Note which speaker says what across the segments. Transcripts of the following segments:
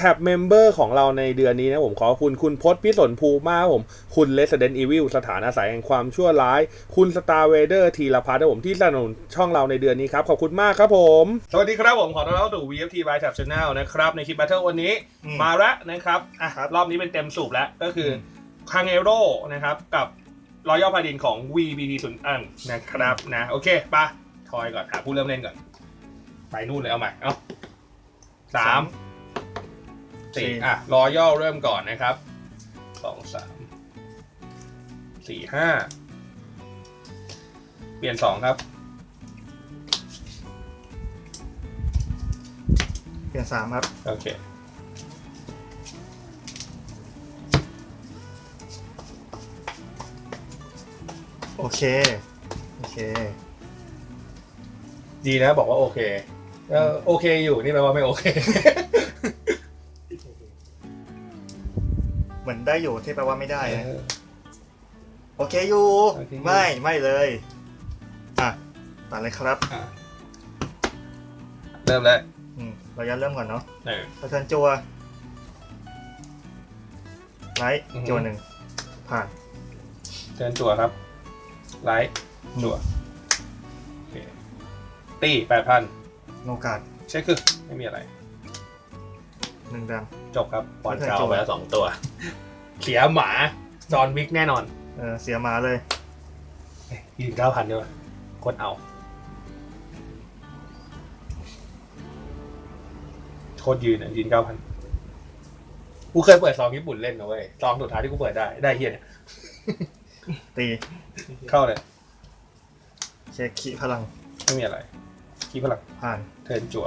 Speaker 1: แท็บเมมเบอร์ของเราในเดือนนี้นะผมขอบคุณคุณพจน์พิสนภูมิมากผมคุณ Resident Evil สถานอาศัยแห่งความชั่วร้ายคุณ Star Vader ธีรพัฒน์นะผมที่สนับสนุนช่องเราในเดือนนี้ครับขอบคุณมากครับผมสวัสดีครับผมขอต้อนรับสู่ VFT by Tab Channel นะครับในคลิป Battle วันนี้มาแล้วนะครับรอบนี้เป็นเต็มสูบแล้วก็คือคังเอโร่นะครับกับรอยัลพาดินของ VBT 0อันนะครับนะโอเคปะทอยก่อนหาผู้เริ่มเล่นก่อนไปนู่นเลยเอาใหม่เอา3 4รอยัลเริ่มก่อนนะครับ2 3 4 5เปลี่ยน2ครับ
Speaker 2: เปลี่ยน3ครับ
Speaker 1: โอเค
Speaker 2: โอเค
Speaker 1: ดีนะบอกว่าโอเคโอเคอยู่นี่แปลว่าไม่โอเค
Speaker 2: เหมือนได้อยู่ที่แปลว่าไม่ได้นะโอเคอยู่ไม่เลยตัดเลยครับ
Speaker 1: เริ่มแล้ว
Speaker 2: เราจะเริ่มก่อนเนาะเทิร์นจัวไลท์จัว1ผ่าน
Speaker 1: เทิร์นจัวครับไลท์จัวตี 8,000
Speaker 2: โนกาด
Speaker 1: เช็คคือไม่มีอะไร
Speaker 2: 1 ดำ
Speaker 1: จบครับบอลเก่าไปแล้ว2ตัวเสียหมาจอห์นวิกแน่นอน
Speaker 2: เสียหมาเลย
Speaker 1: ยืน 9,000 ด้วยโคตรเอาโคตรยืนยืน 9,000 กูเคยเปิดซองญี่ปุ่นเล่นนะเว้ยซองสุดท้ายที่กูเปิดได้เฮียเนี่ย
Speaker 2: ตี
Speaker 1: เข้าเลย
Speaker 2: เช็คขีพลัง
Speaker 1: ไม่มีอะไรขีพลัง
Speaker 2: ผ่าน
Speaker 1: เทิร์นจั่ว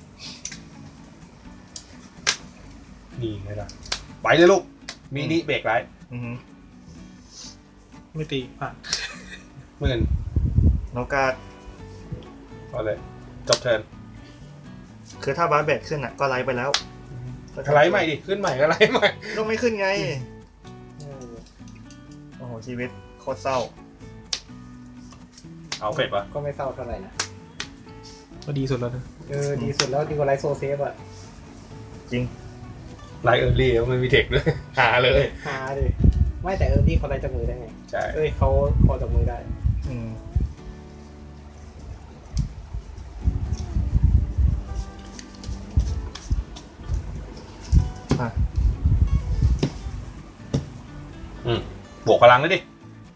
Speaker 1: นี่ไงล่ะไปเลยลูกมินิเบรกไร
Speaker 3: ไม่ตีผ่าน
Speaker 1: 10,000
Speaker 2: โนกาด
Speaker 1: เอาเลยจบเทิร์น
Speaker 2: คือถ้าบาร์เบดขึ้นก็ไลฟ์ไปแล้ว
Speaker 1: ไลฟ์ใหม่ดิขึ้นใหม่ก็ไลฟ์ใหม่
Speaker 2: ก็ไม่ขึ้นไงโอ้โหชีวิตโคตรเศร้า
Speaker 1: เอาเฟดปะ
Speaker 3: ก็ไม่เศร้าเท่าไหร่นะก็ดีสุดแล้วนะดีสุดแล้วดีกว่าไลฟ์โซเซฟอ่ะ
Speaker 2: จริง
Speaker 1: ไลฟ์เออร์ลี่มันมีเทคด้วยหาเลย
Speaker 3: หาดิไม่แต่เออร์ลี่เขาไล่จากมือได้ไง
Speaker 1: ใช่
Speaker 3: เขาพอจากมือได้
Speaker 1: บวกพลังเลยดิ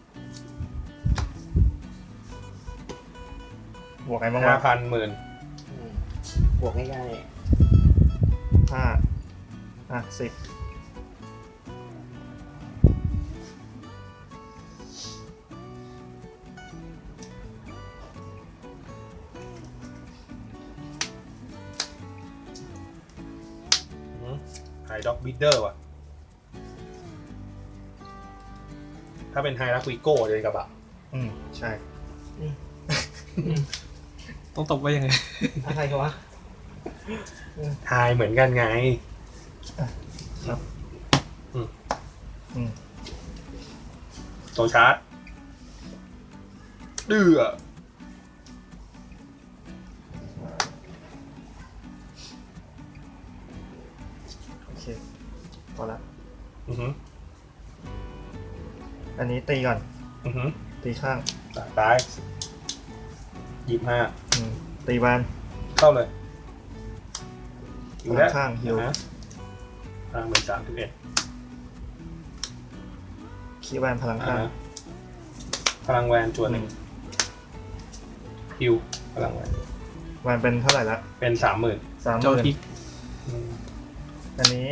Speaker 2: บวกไงบ้าง
Speaker 1: วะ10,000
Speaker 3: บวกง่าย
Speaker 2: ๆ10
Speaker 1: ไฮด็อกบิดเดอร์ว่ะถ้าเป็นไฮรักวิโก้เลยกระบะ
Speaker 2: ใช่
Speaker 3: ต้องตบไว้ยังไงอะไรกันวะ
Speaker 1: ไฮเหมือนกันไง
Speaker 2: ครับ
Speaker 1: โซชาร์จดื้อ
Speaker 2: โอเคพอละอันนี้ตีก่อนตีข้าง
Speaker 1: ตาย
Speaker 2: 25ตีบาน
Speaker 1: เข้าเลย
Speaker 2: พลังข้างฮิว
Speaker 1: พลัง13-11
Speaker 2: คีแวนพลังข้าง
Speaker 1: พลังแวนจวน1ฮิวพลังแ
Speaker 2: วนเป็นเท่าไหร่ละ
Speaker 1: เป็น 30,000
Speaker 3: เจ้าทิก
Speaker 2: อันนี้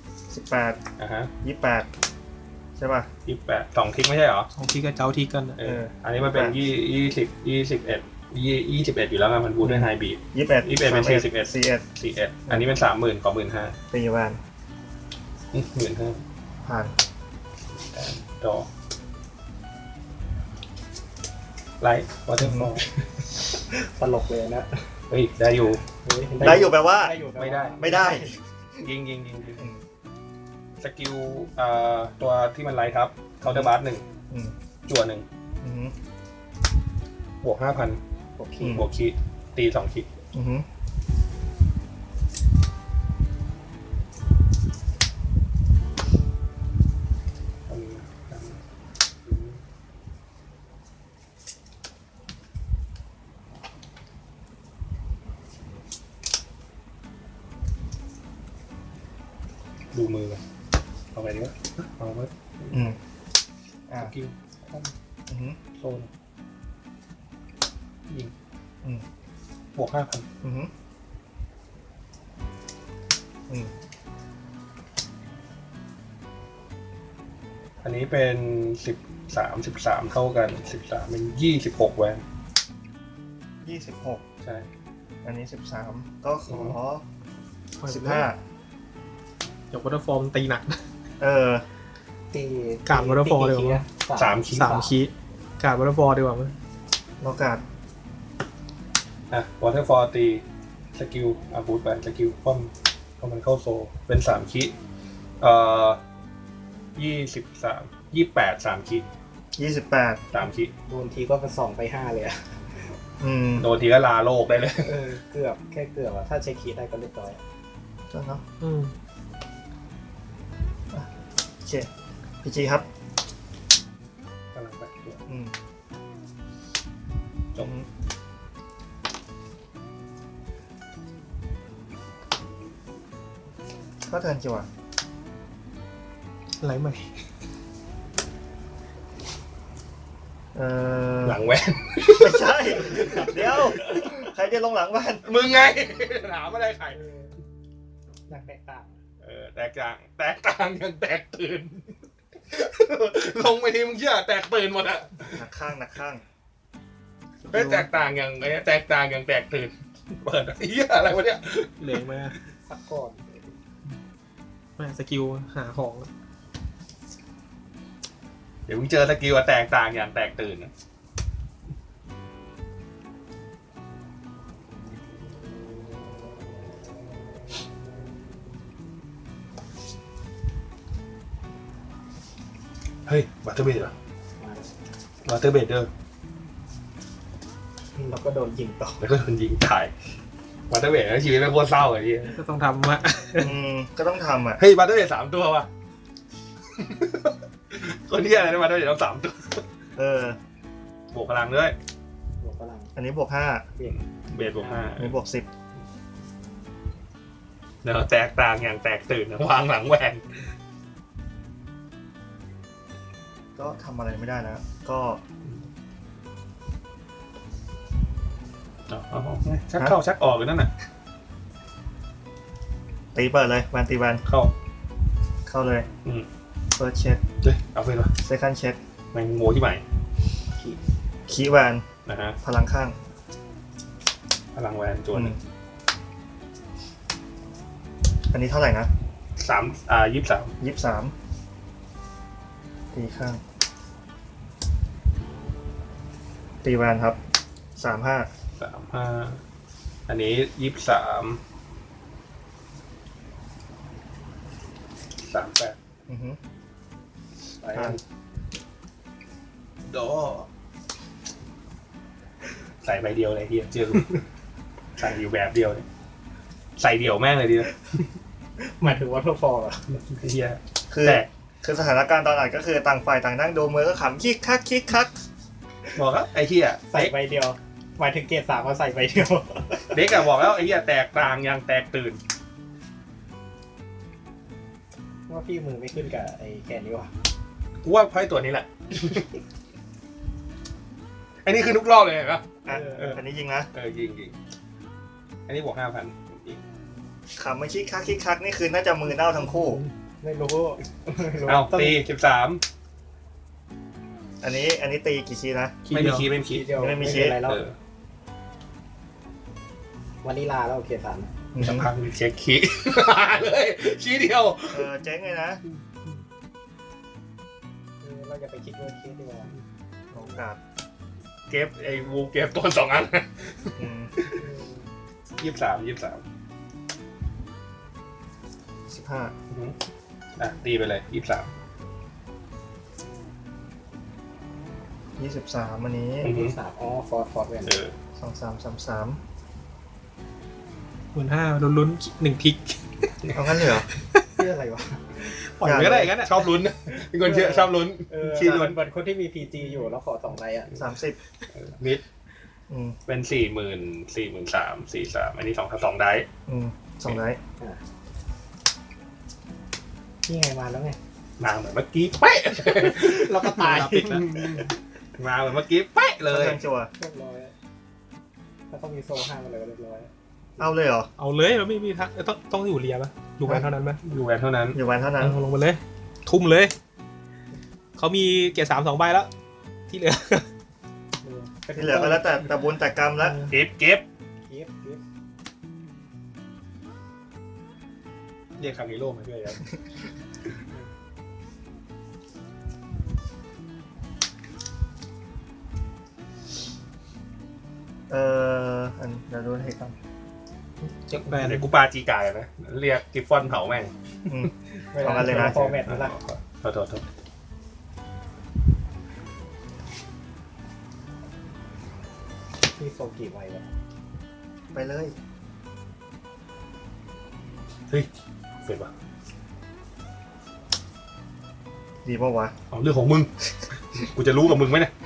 Speaker 2: 18 28ใช่ป่ะ
Speaker 1: 28 2ทิกไม่ใช่เหรอ
Speaker 3: 2ทิกกับเจ้าทิกกัน
Speaker 1: อันนี้มันเป็น21อยู่แล้วมันบูทด้วยไฮบีท21เป็น41อันนี้เป็น 30,000 ขอ 15,000
Speaker 2: ตีแวน
Speaker 1: 15,000
Speaker 2: ผ่าน
Speaker 1: ต่อไลท์วอเตอร์ฟอล
Speaker 3: ตลกเลยนะ
Speaker 1: เฮ้ยได้อยู่
Speaker 2: แปลว่า
Speaker 1: ไม่ได้ยิงสกิลตัวที่มันไลท์ครับเคาน์เตอร์บาร์1จั่ว1บวก 5,000บวกคีตี2คี
Speaker 3: ดูมือกันเอาไปดีกว่าเอาไว้
Speaker 2: อ่า
Speaker 3: สกิลคอม
Speaker 2: อือหือ
Speaker 3: โซนยิง
Speaker 2: อืม
Speaker 3: บวก 5,000
Speaker 2: อือหืออืม
Speaker 3: อันนี้เป็น13เท่ากัน13เป็น26แวน
Speaker 2: 26
Speaker 3: ใช่
Speaker 2: อันนี้13ก็ขอ
Speaker 3: ปล่อยไป
Speaker 2: 15
Speaker 3: เดี๋ยววอเตอร์ฟอร์มตีหนัก
Speaker 2: เออ
Speaker 3: การวอเตอร์ฟอร์เดี๋ยว3 คี 3 คีการวอเตอร์ฟอร์ดีกว่ามั้ย
Speaker 2: โอกาส
Speaker 3: วอเตอร์ฟอร์ตีสกิลบูทไปสกิลคว่ำเข้ามันเข้าโซเป็น3 คี28 3 คี
Speaker 2: 28
Speaker 3: 3 คี
Speaker 4: โดนทีก็ไป2ไป5เลยอะ
Speaker 3: โดนทีก็ลาโลกได้เลย
Speaker 4: เกือบแค่เกือบอะถ้าเช็คคีย์ได้ก็เรียบร้อย
Speaker 2: ใช่เนาะ
Speaker 3: อืม
Speaker 2: โอเคพีจีครับ
Speaker 3: กำลังไปตัว จบ
Speaker 2: ก็เทิร์นจิ๋วอ่ะ
Speaker 3: อะไรใหม่
Speaker 2: ห
Speaker 3: หลังแว่น
Speaker 2: ไม่ใช่ เดี๋ยว ใครจะลงหลังบ้าน
Speaker 3: มึงไง ถามอะไรใคร
Speaker 4: หนักแตกต่าง
Speaker 3: แตกต่างยังแตกตื่น ลงไปทีมึงเชื่อแตกตื่นหมดอะ
Speaker 2: หนักข้างหนักข้าง
Speaker 3: ไม่แตกต่างอย่างไอ้แตกต่างอย่างแตกตื่น เปิดเหี้ยอะไรวะเนี่ยเหลงมา
Speaker 4: สักก่อน
Speaker 3: แม่สกิลหาของ เดี๋ยวมึงเจอสกิลแตกต่างอย่างแตกตื่นนะเฮ้ยวัตเตอร์เบดเหรอ
Speaker 4: มา
Speaker 3: วัตเตอร์เบดเดอร์
Speaker 4: แล้วก็โดนยิงต่อ
Speaker 3: แล้วก็โดนยิงตายวัตเตอร์เบดแล้วชีวิตไม่โคตรเศร้าเลยที่ก็ต้องทำอะ
Speaker 2: ก็ต้องทำอ่ะ
Speaker 3: เฮ้ยวัตเตอร์เบด3 ตัวว่ะ คนที่อะไรนะวัตเตอร์เบดต้อง3 ตัว บวกพลังด้วย
Speaker 4: บวกพลัง
Speaker 2: อันนี้บวก
Speaker 3: เบสบวก
Speaker 2: 5 อันนี้บวก
Speaker 3: 5แล้วแตกต่างอย่างแตกตื่นนะวางหลังแหวน
Speaker 2: 10 ก็ทำอะไรไม่ได้แล้ว ก็
Speaker 3: ชักเข้าชักออกอยู่นั่นน่ะ
Speaker 2: ตีเปิดเลยแวนตีแวน
Speaker 3: เข้า
Speaker 2: เลย
Speaker 3: อืม
Speaker 2: first check
Speaker 3: เฮ้ยเอาไปวะ
Speaker 2: second check
Speaker 3: แมงโมที่ใหม่
Speaker 2: คีย์แวน
Speaker 3: นะฮะ
Speaker 2: พลังข้าง
Speaker 3: พลังแหวนจวน
Speaker 2: อันนี้เท่าไหร่นะ
Speaker 3: 23
Speaker 2: 23 ตีข้าง ตีแวนครับ 35
Speaker 3: 35อันนี้23 38
Speaker 2: อือฮึ
Speaker 3: ไปกันโดใส่ใบเดียวเลยเฮียเจอ ใส่อยู่แบบเดียวเลยใส่เดี่ยวแม่งเลยดีนะ
Speaker 4: หมายถึงว่าทฟอร์อะ
Speaker 3: เฮีย
Speaker 2: คือ
Speaker 3: แต่
Speaker 2: คือสถานการณ์ตอนนั้นก็คือต่างฝ่ายต่างนั่งดูมือก็ขำคิกคักคิกคัก
Speaker 3: บอกแล้วไอ้เฮีย
Speaker 4: ใส่ใบเดียว หมายถึงเกรด3เขาใส่ใบเดียว
Speaker 3: เด็กอะบอกแล้วไอ้เฮียแตกต่างอย่างแตกตื่น
Speaker 4: ว่าพี่มือไม่ขึ้นกับไอ้แกนนี้วะ
Speaker 3: กูว่าไพ่ตัวนี้แหละ อันนี้คือทุกรอบเลยเห็นปะ
Speaker 2: อันนี้ยิงนะ
Speaker 3: ยิงอันนี้บวก 5,000ยิง
Speaker 2: ขำไม่คิกคักคิกคักนี่คือน่าจะมือเน่าทั้งคู่
Speaker 4: ไม่รู้
Speaker 3: เอา
Speaker 4: ต้อง
Speaker 3: ตี13
Speaker 2: อันนี้ตีกี่คีย์นะ
Speaker 3: ไม่มีคีย์ไม่มีคีย์
Speaker 4: เดียว
Speaker 2: ไม่มี
Speaker 4: เป็น
Speaker 2: คีย์
Speaker 4: ไรแล้ว
Speaker 3: เออ
Speaker 4: วันนี้ลาแล้วเกรด3
Speaker 3: สักพักเช็คคีย์ เลยคีย์เดียว
Speaker 2: เจ๊งเลยนะ
Speaker 4: เราจะไปคิดว่าคิดดีกว่า
Speaker 2: โอกาส
Speaker 3: เก็บไอ้วูเก็บตัว2 อัน
Speaker 2: อืม
Speaker 3: 23
Speaker 2: 15
Speaker 3: ตีไปเลย23
Speaker 2: 23อันนี้
Speaker 3: อือฮึ
Speaker 4: 3อ๋อฟอร์ดเวน
Speaker 2: 2333
Speaker 3: 15,000ลุ้นๆ1ทิก
Speaker 2: เอางั้นเลยเหรอ
Speaker 4: เพื่ออะไรวะ
Speaker 3: ปล่อยไปก็ได้งั้นชอบลุ้นเป็นคนเชื่อชอบลุ้น
Speaker 4: ชี้ล้วนเหมือนคนที่มี PG อยู่แล้วขอ2ใบอ่ะ
Speaker 2: 30
Speaker 3: นิด
Speaker 2: อืม
Speaker 3: เป็น43,000 43อันนี้2 ได้
Speaker 2: 2 ได้
Speaker 4: นี่ไงมาแล้วไง
Speaker 3: มาเหมือนเมื่อกี้เป๊ะ
Speaker 4: เราก็ตาย
Speaker 3: ปิดแล้วมาเหมือนเมื่อกี้เป๊ะเลย
Speaker 2: เทิร์นจั่ว
Speaker 4: เรียบร้อยถ้าต้องมีโซ่ห้ามอะไรก็เรียบร้อย
Speaker 2: เอาเลยเหรอ
Speaker 5: เอาเลยเราไม่มีทักต้องอยู่เรียปะอยู่แวนเท่านั้นไหม
Speaker 3: อยู่แวนเท่านั้น
Speaker 2: อยู่วันเท่านั้น
Speaker 5: เอาลงไปเลย ทุ่มเลย เขามีเกียร์3 2 ใบแล้ว ที่เหลือ
Speaker 2: ที่เหลือก็แล้วแต่บุญแต่กรรมแล้ว
Speaker 3: เก็บ
Speaker 4: เก็บ
Speaker 3: เรียกคามิโร่มาด้วยครับ
Speaker 2: อันเดี๋ยวดูให้ครับ
Speaker 5: แวน
Speaker 3: เดี๋ยวกูปาจีกายนะเรียกกิฟฟอนเผาแม่ง
Speaker 2: อืม
Speaker 4: เวลา
Speaker 2: เอากันเลยนะ
Speaker 4: ฟอร์แมตนั่นแหละ
Speaker 3: โทษ
Speaker 4: มีโซ่กี่ใบแล้ว
Speaker 2: ไปเลย
Speaker 3: เฮ้ยเสร็จปะ
Speaker 2: ดีป่าวะ
Speaker 3: เอาเรื่องของมึง กูจะรู้กับมึงไหมเนี่ย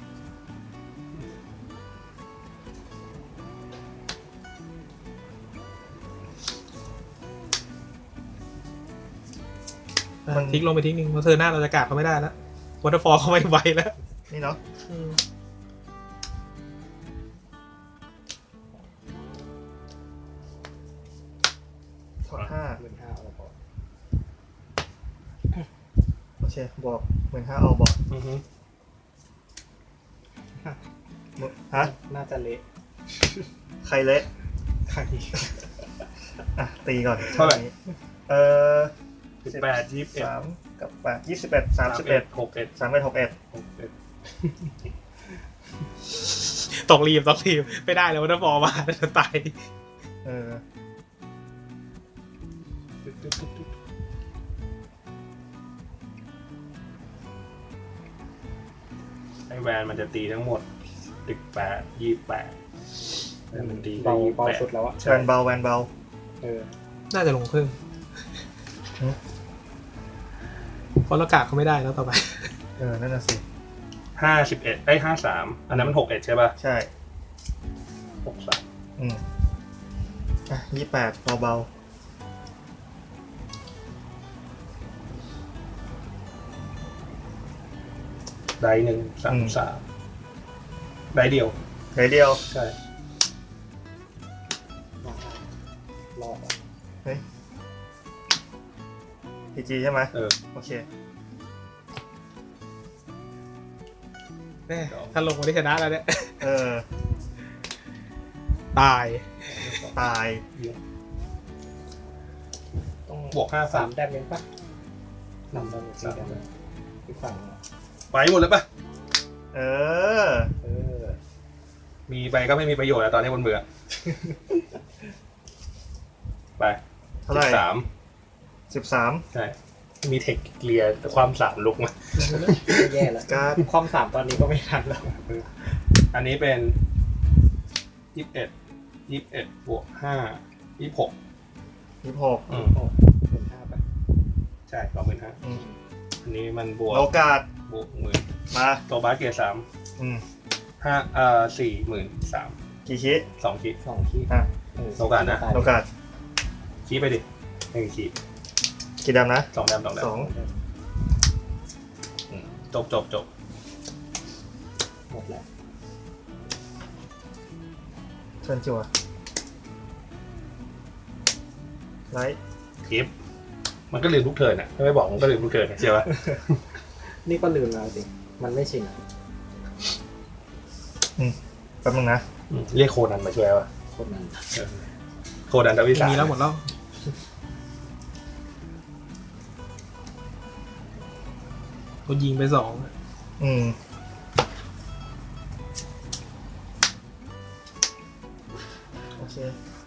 Speaker 5: ทิ้งลงไปทิ้งหนึ่งเพราะเธอหน้าเราจะกาดเขาไม่ได้แล้ววอเตอร์ฟอลเขาไม่ไหวแล้ว
Speaker 2: นี่เนาะถอด5
Speaker 4: 15,000เอาพอ
Speaker 2: โอเคบอก15,000เอาบอก
Speaker 3: อือฮึ
Speaker 2: ฮะ
Speaker 4: น่าจะเละ
Speaker 2: ใครเละ
Speaker 4: ครั้งนี้
Speaker 2: อ่ะตีก่อน
Speaker 3: เท่าไหร่
Speaker 2: 18
Speaker 3: 18 21
Speaker 2: 3กับ8 21 31
Speaker 3: 61
Speaker 2: 31 61
Speaker 3: 61
Speaker 5: ต้องรีบไม่ได้เลยวอเตอร์ฟอลมาจะตาย
Speaker 3: ไอแวนมันจะตีทั้งหมด18 28แล้วมันตีได้
Speaker 4: เบาสุด
Speaker 3: 28
Speaker 4: แล้วอะ
Speaker 2: แวนเบาแวนเบา
Speaker 5: น่าจะลงเพิ่ม
Speaker 2: หือ
Speaker 5: เพราะเรากาดเขาไม่ได้แล้วต่อไป
Speaker 2: นั่นน่ะสิ
Speaker 3: 5153อันนั้นมัน61ใช่ป่ะ
Speaker 2: ใช่
Speaker 3: 63
Speaker 2: อ่ะ28เบา
Speaker 3: ได้133ได้เดียว
Speaker 2: ๆไหนเดียว
Speaker 3: ใช่
Speaker 4: รอบอะ
Speaker 2: พีจีใช่ไหม โอเค
Speaker 5: แม่ถ้าลงมาได้ชนะแล้วเนี่ย ตาย
Speaker 2: ตาย
Speaker 4: ต้อง
Speaker 3: บวก
Speaker 4: 3 แต้มเองปะนำมา4 แต้มอีกฝั่งอะ
Speaker 3: ไปหมดแล้วป่ะ
Speaker 2: เออ
Speaker 3: มีไปก็ไม่มีประโยชน์แล้วตอนนี้บนเบื่อ ไป
Speaker 2: เท่าไหร่
Speaker 3: 13
Speaker 2: 13
Speaker 3: ใช่ มีเทคเกลียร์ความสามลุกมา
Speaker 4: ไม่แย่แล้ว
Speaker 2: การ์ด
Speaker 4: ความ3ตอนนี้ก็ไม่ทันแล้ว
Speaker 3: อันนี้เป็น21บวก5 26
Speaker 2: 26
Speaker 4: 15ไป
Speaker 3: ใช่25,000
Speaker 2: อืม
Speaker 3: อันนี้มันบวก
Speaker 2: โลกาด
Speaker 3: บวก10,000
Speaker 2: มา
Speaker 3: ตัวบาสเกียร์3 43,000
Speaker 2: กี่คิ
Speaker 3: 2 คี
Speaker 4: 2 ที่
Speaker 2: อ่ะ
Speaker 3: โลกาดนะ
Speaker 2: โลกาด
Speaker 3: คีไปดิ1คี
Speaker 2: กี่ดำนะ
Speaker 3: 2 แดม
Speaker 2: 2
Speaker 3: จบ
Speaker 4: หมดแล้ว
Speaker 2: เชิญจั่วไลท์
Speaker 3: คลิป มันก็ลืมทุกเทิร์นอ่ะถ้าไม่บอกมันก็ลืมทุกเทิร์นใช่ปะ
Speaker 4: นี่ก็ลืมแล้วสิมันไม่ชินอะ
Speaker 2: แป๊บนึงนะ
Speaker 3: เรียกโคนันมาช่วยวะ
Speaker 4: คนนั้น
Speaker 3: โคนันดาวิสา
Speaker 5: มีแล้วหมดแล้วเขายิงไป2
Speaker 2: โอเค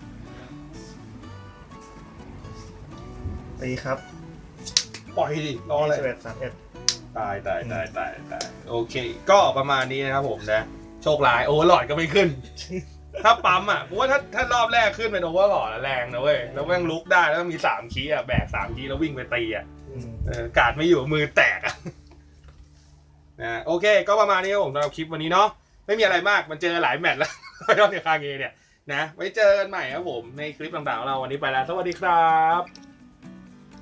Speaker 2: ตีครับ
Speaker 3: ปล่อยดิรออะไร
Speaker 2: 21 31
Speaker 3: ตายโอเค ก็ประมาณนี้นะครับผมนะ โชคร้ายโอเวอร์ลอดก็ไม่ขึ้น ถ้าปั๊มอ่ะกูว่าถ้ารอบแรกขึ้นเป็นโอเวอร์ลอดแรงนะเว้ยแล้วแม่งลุกได้แล้วมี3คีย์อ่ะแบก3คีย์แล้ววิ่งไปตีอ่ะการ์ดไม่อยู่มือแตกอ่ะนะโอเคก็ประมาณนี้ครับผมสำหรับคลิปวันนี้เนาะไม่มีอะไรมากมันเจอหลายแมตช์แล้ว ยอดในคาเงเนี่ยนะไว้เจอกันใหม่ครับผมในคลิปต่างๆของเราวันนี้ไปแล้วสวัสดีครับ